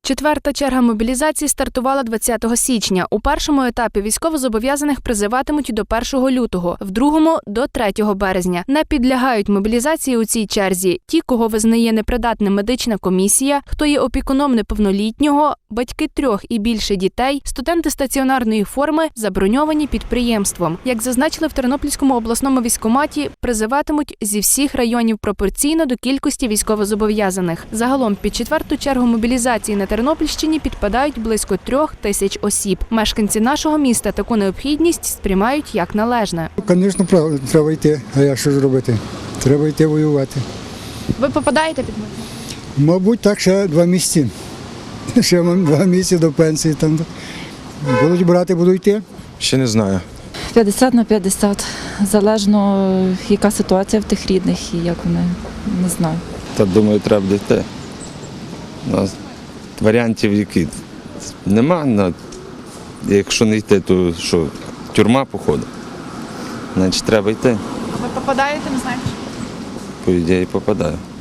Четверта черга мобілізації стартувала 20 січня. У першому етапі військовозобов'язаних призиватимуть до 1 лютого, в другому – до 3 березня. Не підлягають мобілізації у цій черзі ті, кого визнає непридатним медична комісія, хто є опікуном неповнолітнього, батьки 3 і більше дітей, студенти стаціонарної форми, заброньовані підприємством. Як зазначили в Тернопільському обласному військкоматі, призиватимуть зі всіх районів пропорційно до кількості військовозобов'язаних. Загалом під четверту чергу мобілізації на Тернопільщині підпадають близько 3 тисяч осіб. Мешканці нашого міста таку необхідність сприймають як належне. Звісно, треба йти, а я що ж робити? Треба йти воювати. Ви попадаєте під мету? Мабуть, так, ще 2 місяці. Ще 2 місяці до пенсії. Там будуть брати, буду йти. Ще не знаю. 50/50. Залежно, яка ситуація в тих рідних і як вони, не знаю. Та думаю, треба буде йти. Варіантів які нема. Якщо не йти, то що, тюрма, походу. Значить, треба йти. Ви попадаєте, не знаєте? По ідеї попадаю.